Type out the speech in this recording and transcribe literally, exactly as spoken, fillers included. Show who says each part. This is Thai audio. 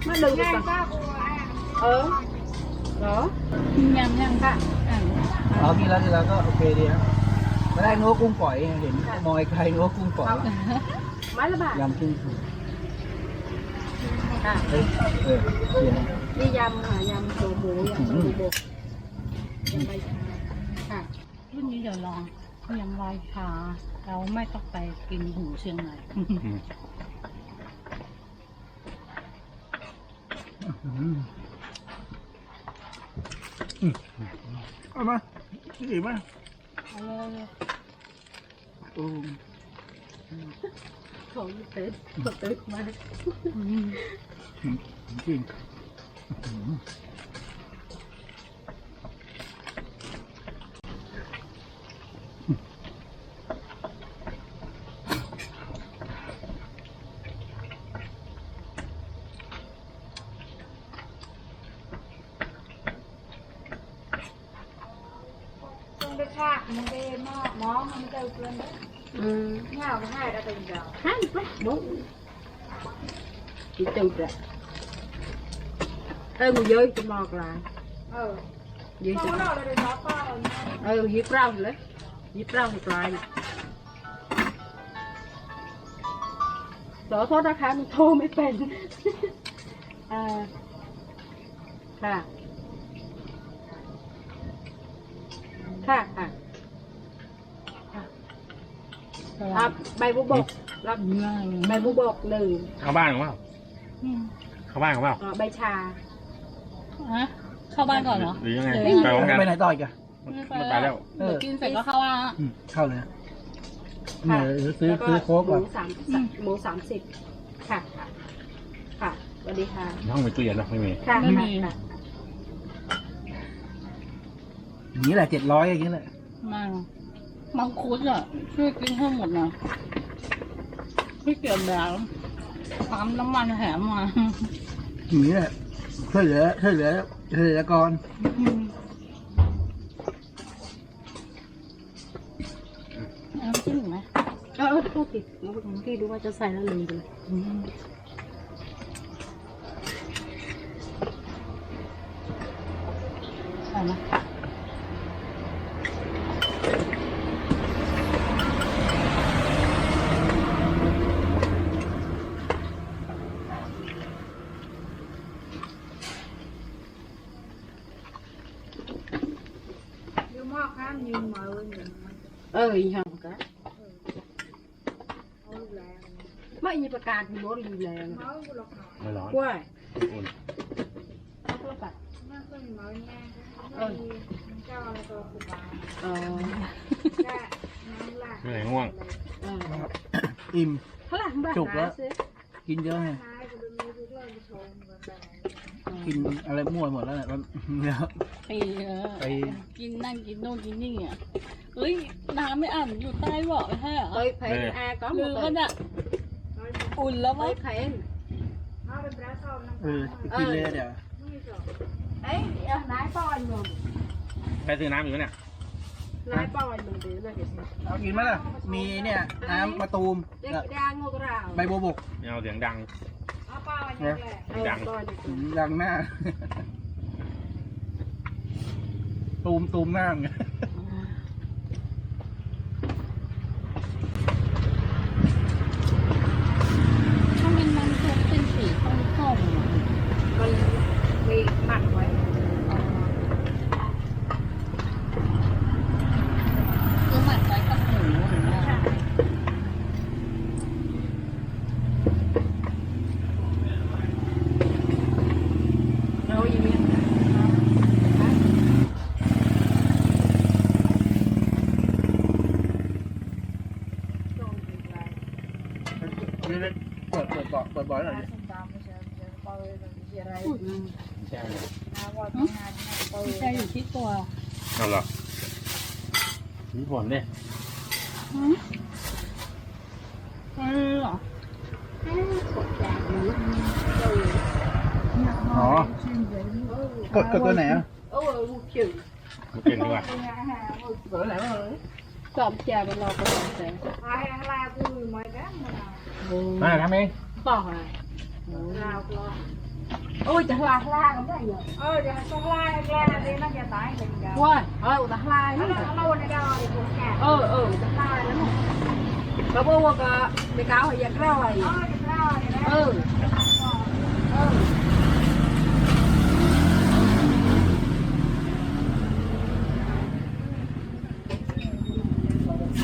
Speaker 1: nó đừng ngang sao ờ đó nhầm nhầmค่ะ
Speaker 2: อ๋อกินแล้วกินแล้วก็โอเคดีครับไม่ได้นัวกุ้งฝอยเห็นมอยไกลนัวกุ้งฝอย
Speaker 1: ไม้ละบาท
Speaker 2: ยำกุ้งฝอย
Speaker 1: ค่ะ
Speaker 2: เออเออเขียน
Speaker 1: นี่ยำค่ะยำโถหมูยำโถบกยำใบชาค่ะ
Speaker 3: รุ่นนี้เดี๋ยวลองยำลอยชาเราไม่ต้องไปกินหูเชียงใหม่
Speaker 2: เอามาดีมาก
Speaker 3: เอาเลยเลย
Speaker 2: โอ้
Speaker 1: ของเต็ดเต็ดมาก
Speaker 2: จริง
Speaker 1: ต้องไปฆ่ามันไปหม้อหม้อมันเจอเพื่อนอืมเงาก็ให้ได้เป็นเดียวให้ไปบุ๊กchỉ từ ra ê người dưới cho mọt lại ừ dưới cho ừ dưới rau lấy dưới rau một lại đó thoát ra khá mình thô mới bền àค่ะค่ะอ่ะอ่ะใบบุบกรับใบบุบกหนึ่ง
Speaker 4: เข้าบ้านหรือเปล่าเข้าบ้านหรือเปล่า
Speaker 1: ใบชา
Speaker 3: ฮะเข้าบ้านก่อนเหรอ
Speaker 4: หรือยังไง
Speaker 3: หรือ
Speaker 4: ไปพร้อมกัน
Speaker 2: ไปไหนต่ออีกอะ
Speaker 4: มันไปแล้ว
Speaker 3: เดี๋ยวกินเสร็จก็เข้าบ้านละ
Speaker 2: อืมเข้าเลยนะเนี่ยซื้อซื้อโค้ก
Speaker 1: ห
Speaker 2: ก่อ
Speaker 1: มู
Speaker 2: น
Speaker 1: สามหมูสามสิบค่ะค่ะค่ะสวัสดีค่ะ
Speaker 4: ห้องมีตู้เย็นหรอไม่มี
Speaker 1: ค่ะค่ะ
Speaker 2: อย่างนี้แหละเจ็ดร้อยอย่างนี้แหละ
Speaker 3: มามังคุดอ่ะช่วยกินให้หมดนะพี่เกียรติแบบปั๊มน้ำมันแถมมา
Speaker 2: อย่างนี้แหละช่วยเหลือช่วยเหลือช่วยเหลือกร
Speaker 3: เอาจิ้มไหม
Speaker 1: เออโทษทีน้องพี่ดูว่าจะใส่แล้วลืมไปเลย
Speaker 3: ใส่ไหม
Speaker 1: เอออีกค่ะก็ไม่มีประกาศมีรถอยู่แล้ว
Speaker 4: ไม่ร้อน
Speaker 1: กล้วย
Speaker 4: อุ่น
Speaker 1: เอากล้วยปัดเออเออ
Speaker 4: ไม่ไหนง่วง
Speaker 1: เออ
Speaker 2: อิ่ม
Speaker 1: เท่าไหร่บ้าง
Speaker 2: จุกแล้ว
Speaker 1: นะซื้อ
Speaker 2: กินเยอะไงกินอะไรมั่วหมดแล้วเนี่ยแล้ว
Speaker 3: ไปเออ
Speaker 2: ไป
Speaker 3: กินนั่งกินโน่นกินนี่อ่ะเฮ้ยน้ำไม่อ่านอยู่ใต้เบาะใช่เหรอ
Speaker 1: tôi thấy a có
Speaker 3: ลื
Speaker 1: một
Speaker 3: ม
Speaker 1: tuần
Speaker 3: มันอ่ะอุ่นแล้วมั้
Speaker 1: tôi
Speaker 3: ง
Speaker 1: thấy
Speaker 2: เออกินเลยเดี๋ยว
Speaker 1: ấy nái to anh rồi
Speaker 4: ใครซื้อน้ำอยู่เนี่ย
Speaker 1: nái to anh rồi để này
Speaker 2: เอากินไหมล่ะมีเนี่ยน้ำมะตูม
Speaker 1: để ra ngô cái rào
Speaker 2: ใบบัวบก
Speaker 4: ไม่เอาเสียงดัง
Speaker 1: ดัง
Speaker 2: อืมดังหน้า ตูมตูมหน้าไง
Speaker 3: ถ้ามันน้ำซุปเป็นสีส้มๆอะ
Speaker 1: còn bị mặn quá
Speaker 3: คือหมักไว้กับหมูหรือว่า
Speaker 1: rồi gì miệng
Speaker 2: เปิดเปิดเบาะเปิดเบาะหน่อยดิ
Speaker 4: ใช่ไหม
Speaker 3: ไม่ใช่อยู่ที่ตัว
Speaker 4: เอาเหรอมีผลดิ
Speaker 3: อืมเออเหรอ
Speaker 2: อ๋อกดกดตัวไหนอ่ะ
Speaker 1: ôi chữ
Speaker 4: มากินดีกว่า
Speaker 2: กดตัวไหนวะ
Speaker 1: sòm trà bên lò có sòm trà
Speaker 4: มาทำเอง
Speaker 1: bỏ à
Speaker 2: เ
Speaker 1: ôi chả la la không thấy gì
Speaker 3: ờ giờ không la la đi nó giờ tải thì giờ
Speaker 1: quên ờ chả la lắm
Speaker 3: lâu này đâu thì cũng nhà
Speaker 1: ờ ờ chả la lắm rồi bố bố cái cái cáo hay giặt rau này
Speaker 3: ờ thì rau này
Speaker 1: ừ